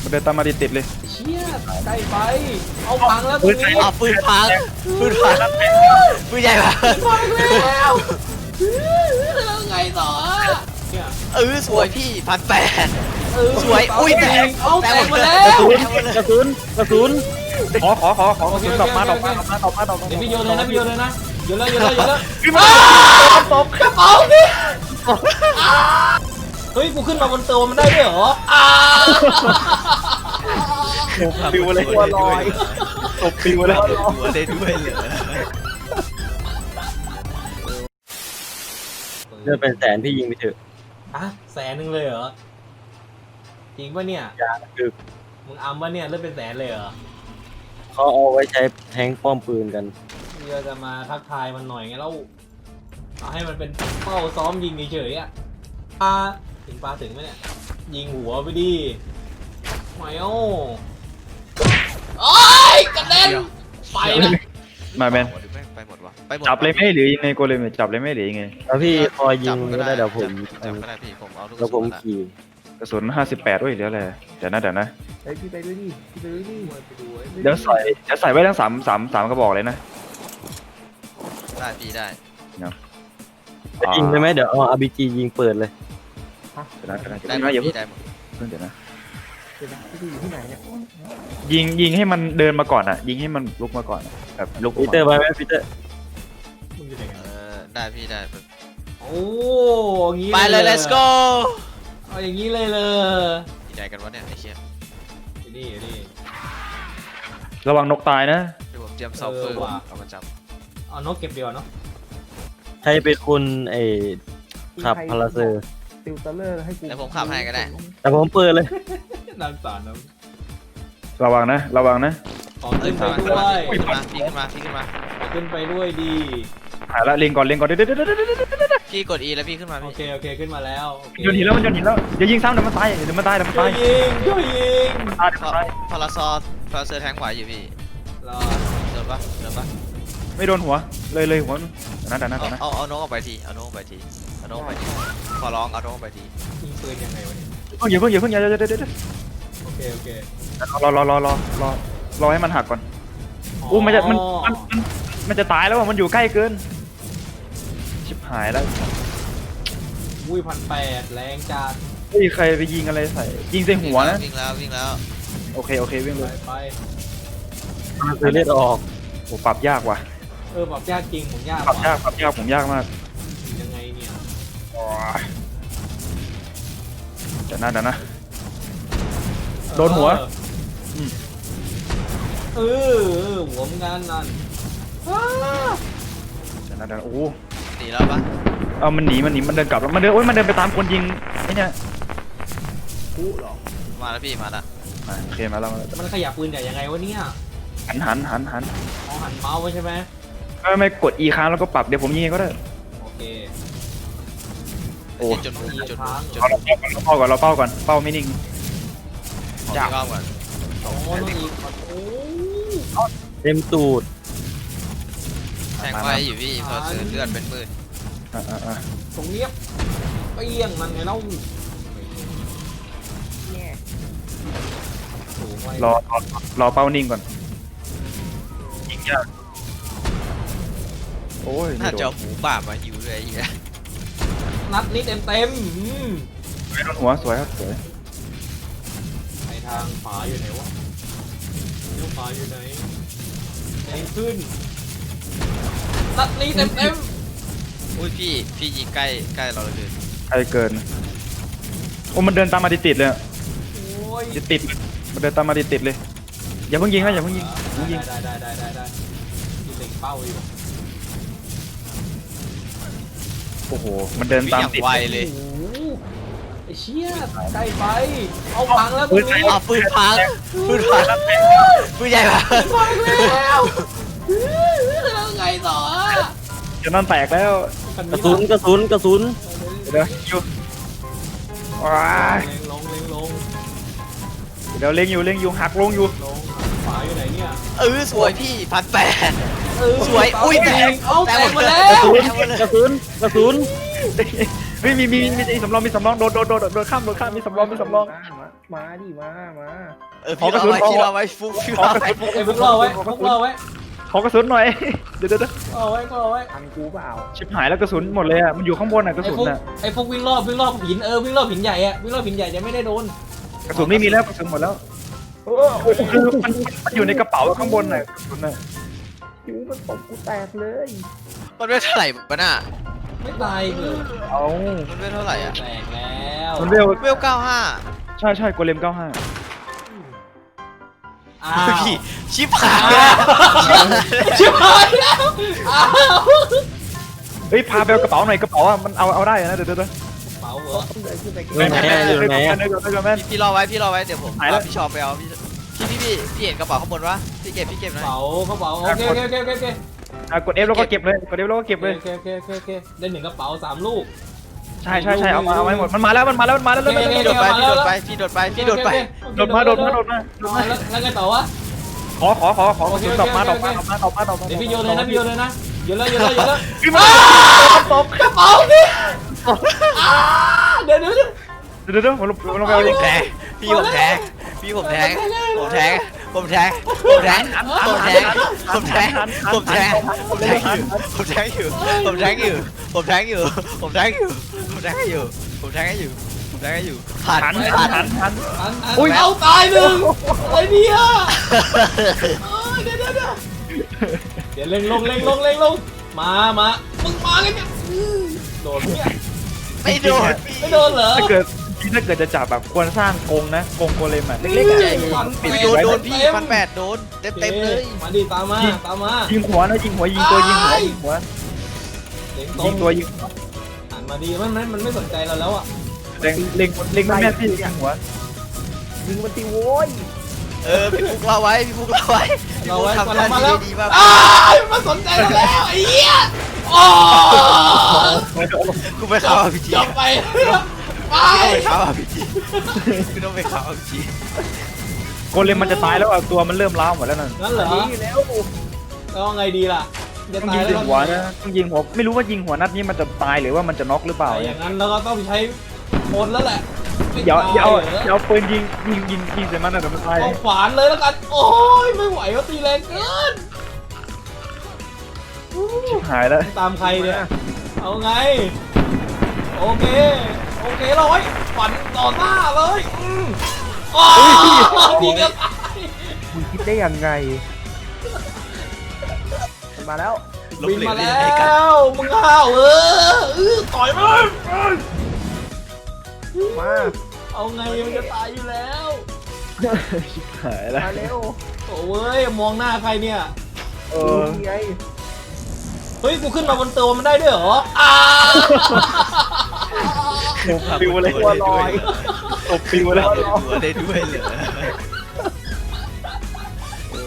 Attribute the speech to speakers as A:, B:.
A: มันเดินตามมาติดเลย
B: เชี่ยใกล้ไปเอาพังแล้วตร
C: ปื
B: ง
C: น
B: นี้
C: เอาปืนพังปืนพังปืนใหญ่พัง
B: พังแล้วแล้วไงต่อเนี่ย
C: สวยพี่1,800สวย
B: เ
C: อุ้ยแตก
B: เอาแตกหมดแล้
A: กระ
B: ว
A: สุนขอกระสุนดอกมา
B: เดี๋ยวพี่โยนเลยนะพี่โยนเลยนะโยนแล้ว
A: ขึ้นมาตก
B: กระเป๋าพี่เฮ้ยกูขึ้นมาบนตัวมันได้ด้วยเหรอ
A: ปิวเลยตัวลอยตกปิวแล้ว
C: หัวได้ด้วยเหรอ
D: เลือดเป็นแสนพี่ยิงไปเถอะ
B: อ่ะ100,000เลยเหรอจริงปะเนี่ย
D: ยาคือ
B: มึงอัมปะเนี่ยเลือดเป็นแสนเลยเหรอ
D: เขาเอาไว้ใช้แทงป้อมปืนกัน
B: เดี๋ยวจะมาทักทายมันหน่อยไงแล้วเอาให้มันเป็นเป้าซ้อมยิงเฉยๆอ่ะปลาถึงไหมเนี่ยยิงหัวไปดิไม่เอาโอ้ยกระเด็นไปนะ
A: มาแมน
C: ไปหมดวะไปหมด
A: จับเลยไหมหรือยังไงโกเลมจับเลยไหมหรือยังไง
D: แล้วพี่พอยิงก็ได้เดี๋ยวผม
C: จับก็ได้พี่ผมเอาลูก
D: แล้วผมขี่
A: กระสุน58ด้วยเดี๋ยวอะไรเดี๋ยวนะ
B: เฮ้ยพี่ไปด้วยดิไปดู
A: เดี๋ยวใส่ไว้ทั้ง3กระบอกเลยนะ
C: ได้พี่ได้
D: ยิงได้ไหมเดี๋ยวเอา RPG ยิงเปิดเลย
C: ได้หมด
A: อย่าเพิ่
C: พี่ได้หมด
A: งเดี๋ยวนะยิงให้มันเดินมาก่อนอ่ะยิงให้มันลุกมาก่อนแบบลุก
D: ปีเตอร์ไปไหมปีเตอร์
B: มึงจะยังไง
C: ได้พี่ได้
B: โอ้งี้
C: ไปเลย let's go
B: เอาอย่างนี้เลยเลย
C: ดีใจกันวะเนี่ยไอ้เชี่ย
B: นี่
A: ระวังนกตายนะ
C: เดี๋ยวผมเตรียมซอฟเฟอร์เอามาจับ
B: เอานกเก็บเดียวเนาะ
D: ใครเป็นคนขับพาราเซอร์
E: ติวเตอร์เลอร์ให้กู
C: แล้วผมขับให้ก็ได้
D: แต่ผมเปิดเลย
B: นางสารนะ
A: ระวังนะ
B: ขอขึ้นไปด้วย
C: พี่ขึ้นมาพี่ขึ้นมา
B: ขอขึ้นไปด้วยดี
A: หายละเล็งก่อนเดี๋ยว
C: พี่กด E แล้วพี่ขึ้นมา
B: โอ
C: พี่
B: เคขึ้นมาแล้ว
A: โยนหินแล้วอย่ายิงซ้ำเดี๋ยวมันตาย
B: ช่วยยิง
A: ตาย
C: พาราเซอร์แทงไหวอยู่พี่
B: รอ
C: เดินปะ
A: ไม่โดนหัวเลยหัวนะ
C: เอาน้องออกไปทีเอาน้องออกไปทีขอร้องเอาน้องออกไปที
B: ยิงปืนยังไงวะเนี่ย
A: อย่าเพิ่งอย่า
B: โอเค
A: รอให้มันหักก่อนอู้มันจะตายแล้วมันอยู่ใกล้เกินชิบหายแล้ว
B: อุ้ย1,800แรงจัด
A: เฮ้ยใครไปยิงอะไรใส่ยิงใส่หัวนะ
C: วิ่งแล้ว
A: โอเควิ่งเลย
B: ไป
D: พาราเซอร์เลือดออก
A: โอ้ปรับยากว่ะ
B: ปรับยากจริงผมยาก
A: ปรับยากผมยากมาก
B: ยังไงเนี่ย
A: เดี๋ยวนะโดนหัว
B: หัวมึงงานนั่น
A: เดี๋ยวโอ้
C: หนีแล้วปะ
A: เอามันหนีมันเดินกลับแล้วมันเดินไปตามคนยิงไอ้เนี่ย
B: กูหรอ
C: มาแล้วพี่มาแล้ว
A: โอเคมาแล้ว
B: มันขยับปืนใหญ่ยังไงวะเนี่ย
A: หัน
B: หันเมาส์ไว้ใช่ไหม
A: ไม่กด E ค้างแล้วก็ปรับเดี๋ยวผมยิงก็ได้
B: โอเค
A: โอ้
C: จน
A: เราเป้าก่อนเป้าไม่นิ่ง
C: จ้าก่อน
B: โอ้น้องอีกโอ้
D: เต็มตูด
C: แทงไว้อยู่พี่พอซื้อเลือดเป็นหมื่น
B: ตรงเนี้ยเปี้ยงมันไงเล่า
E: เนี่ย
A: รอเป้านิ่งก่อนยิงยากโอ้ย
C: น่าจะหูป่ามาหิวเลยไอ้เหี้ย
B: นัดนี้เต็ม
A: ไม่โดนหัวสวยครับสวย
B: ไปทางขวาอยู่ไหนวะเลี้ยวขวาอยู่ไหนแรงขึ้นนัดนี้เต็ม
C: อุ้ยพี่ยิงใกล้เราเลย
A: ใครเกินโอ้มันเดินตามมาติดเลย
B: โอ้ย
A: ติดมันเดินตามมาติดเลยอย่าเพิ่งยิงนะอย่าเพิ่งยิง
B: ได้ยิงเล็งเป้าอยู่
A: โอ้โหมันเดินตามติด
C: ไวเลย
B: โอ้โหไอ้เชี่ยใกล้ไปเอาพังแล้วตรงนี้
C: เอาปืนพังปืนใหญ่พัง
B: พังแล้วแล้วไงต่อ
A: จะนั่นแตกแล้ว
D: กระสุน
A: เดี๋ยวอยู่ว้า
B: เล็งลง
A: เดี๋ยวเล็งอยู่หักลงอยู่
B: ขวาอยู่ไหนเนี่ย
C: สวยพี่1,800 สวยอุ้ยแตก
B: เอาแตกหมดแล้
D: กระ
B: ว
D: สุน
A: เฮ้ยมีสำรองโดนข้ามมีสำรอง
E: มาดิมา
C: พี่รอไว้พี่รอไว้ฟุกพี่รอไว้
B: ไอ้พวกรอไว้พวกรอไว้
A: ขอกระสุนหน่อย เดี๋ยว
B: รอไว้รอไว้
E: ทันกูเปล่า
A: ชิบหายแล้วกระสุนหมดเลยอ่ะมันอยู่ข้างบนอ่ะกระ
B: ไอ้
A: สุน
B: พวก
A: อ่ะ
B: ไอ้พวกวิ่งรอบหินวิ่งรอบหินใหญ่อะวิ่งรอบหินใหญ่จะไม่ได้โดน
A: กระสุนไม่มีแล้วกระสุนหมดแล้วคือมันอยู่ในกระเป๋าข้างบนน่ะกระสุนน่ะ
E: จิ๋วมันตบกูแตกเลย
C: มันไม่เท่าไหร่มันอ่ะ
B: ไม่ตายเลย
A: เอา
C: มันไม่เท่าไหร่อ่ะ
B: แตกแล้ว
A: มันเวล
C: เวล95
A: ใช่โกเลม95
B: อ้าว
C: พี่ชิบหายแล้ว
B: ชิบหายแล้วอ้าว
A: เฮ้ยพาไปเอากระเป๋าหน่อยกระเป๋าอ่ะมันเอาได้นะเดี๋ยว
B: เป๋าเหรอ
E: ต้องเดินขึ้นไป
D: อยู่ไหนอะอยู่ไหนอะ
A: เดี๋ยวแม่น
C: พี่รอไว้พี่รอไว้เดี๋ยวผม
A: หายแล้ว
C: พี่ชอบไปเอาพี่เห็นกระเป๋าข้างบนวะพี่เก็บหน่อย
B: เป๋าเขาเป๋าโอเคโอเคโอเคโอเค
A: กด F แล้วก็เก็บเลยกด F แล้วก็เก็บเลย
B: โอเคได้1กระเป๋า3ลูก
A: ใช่เอาไว้หมดมันมาแล้ว
B: โ
A: เลย
B: อเค
C: พี่โดดไปพี่โดดไปพี่โดดไป
A: โดดมา
B: แล้วไงต่อวะ
A: ขอกระสุนดอกมา
B: เดี๋ยวพี่โยนเลยนะโยนแล้ว
A: ขึ้นมาตบ
B: กระเป๋านี่เดี๋ยว
A: เดี๋ยวผมลงไปเอา
C: พี่
A: ดิ
C: แทงพี่ผมแทงผมแทงอยู่ผมแทงอยู่ผ่าน
A: หัน
B: อุ้ยเอาตายหนึ่งอะไรเนี่ยเดี๋ยวเร่งลงมามึงมากันเนี่ยโดนเนี่ย
C: ไม่โดน
B: ไม่โดนเหรอ
A: ถ้าเกิดจะจับแบบควรสร้างกรงนะกรงโกเลมอ่ะเล็กๆ
C: ใหญ่
A: อ่ะ
C: ไม่โดนพี่1,800โดนเต็มเลย
B: มาดิตามมา
A: ยิงหัวนะยิงหัวยิงตัวยิงหัว
B: เล็งตร
A: ยิ
B: ง
A: งตัวยิง
B: หันมาดีมันไม่สนใจเราแล้วอ่ะ
A: เล็งแม่ที่ยิงหัว
E: ยิงมันตีโว้ย
C: พี่ฟุกเราไว้
B: เราไว้
C: ทำห
B: เรา
C: น้า
B: มา
C: ที่
B: แล้ว
C: ดีมาก
B: มันสนใจเราแล้วไอ้เหี้ยโอ้
C: กูไปเข้าพีจี
B: จบไปไป
C: ไปเข้าพีจีกูต้องไปเข้าพีจี
A: โกเลมมันจะตายแล้วอ่ะตัวมันเริ่มล้าวหมดแล้วนั่น
B: งั้นเหรอ
E: ดีแล้ว
B: แล้วไงดีล่ะจะ
A: ต้อง
B: ตา
A: ยิ
B: ย
A: ง
B: แล้ว
A: หัวนะต้องยิงหัวไม่รู้ว่ายิงหัวนัดนี้มันจะตายหรือว่ามันจะน็อกหรือเปล่า
B: อย่างนั้นเราก็ต้องใช้โคนแล้วแหละ
A: อย่าเอาปืนยิงใส่มันนะเดี๋ยวมันตาย
B: เอาขวานเลยแล้วกันโอ้ยไม่ไหวว่าตีแรงเกิน
A: หายแล้ว
B: ตามใครเนี่ยเอาไงโอเคเราไว้ฝันต่อหน้าเลยอ๋อดีเกินไป
E: มึงคิดได้ยังไงมันมาแล้ว
B: บินมาแล้วมึงห้าวต่อยมัน
E: มา
B: เอาไงมันจะตายอยู่แล้ว
A: หายแล้ว
E: มาเร็ว
B: โอ้ยมองหน้าใครเนี่ย
A: เออ
E: นี่ไง
B: เฮ้ยกูขึ้นมาบนตัวมันได้ด้วยเหรอ
A: ปิวเลย
E: ตัวลอย
A: ตบปิวแล้ว
C: ตัวได้ด้วยเหรอ